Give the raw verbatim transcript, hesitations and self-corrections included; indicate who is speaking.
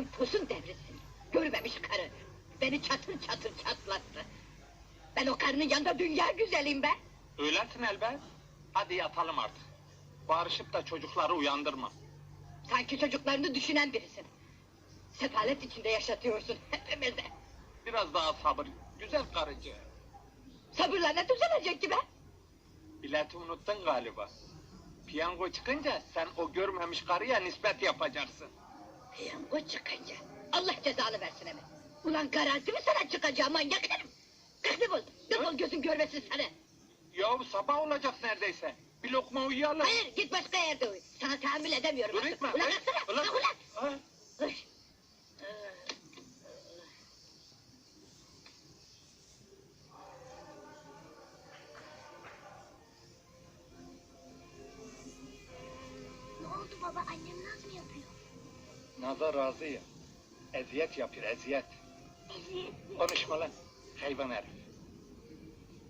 Speaker 1: Senin tosun devrilsin. Görmemiş karı. Beni çatır çatır çatlattı. Ben o karının yanında dünya güzeliyim be.
Speaker 2: Öylesin elbet. Hadi yatalım artık. Bağırışıp da çocukları uyandırma.
Speaker 1: Sanki çocuklarını düşünen birisin. Sefalet içinde yaşatıyorsun hepimizi.
Speaker 2: Biraz daha sabır. Güzel karıcı.
Speaker 1: Sabırla ne düzelecek ki be?
Speaker 2: Bileti unuttun galiba. Piyango çıkınca sen o görmemiş karıya nispet yapacaksın.
Speaker 1: Piyango çıkınca. Allah cezanı versin hemen. Ulan garanti mi sana çıkacağım manyak herif? Kalk defol. Defol gözün görmesin seni.
Speaker 2: Yahu sabah olacak neredeyse. Bir lokma uyuyalım.
Speaker 1: Hayır git başka yerde uyu. Sana tahammül edemiyorum.
Speaker 2: Dur
Speaker 1: artık.
Speaker 2: etme.
Speaker 1: Ulan
Speaker 2: Hey,
Speaker 1: kalksana.
Speaker 2: ulan.
Speaker 1: Kalk ulan.
Speaker 2: Ha?
Speaker 1: Uy.
Speaker 3: Ne oldu baba? Annem naz mı yapıyor?
Speaker 2: Nazar razı ya. Eziyet yapıyor eziyet.
Speaker 3: Eziyet mi?
Speaker 2: Konuşma lan. Hayvan herif.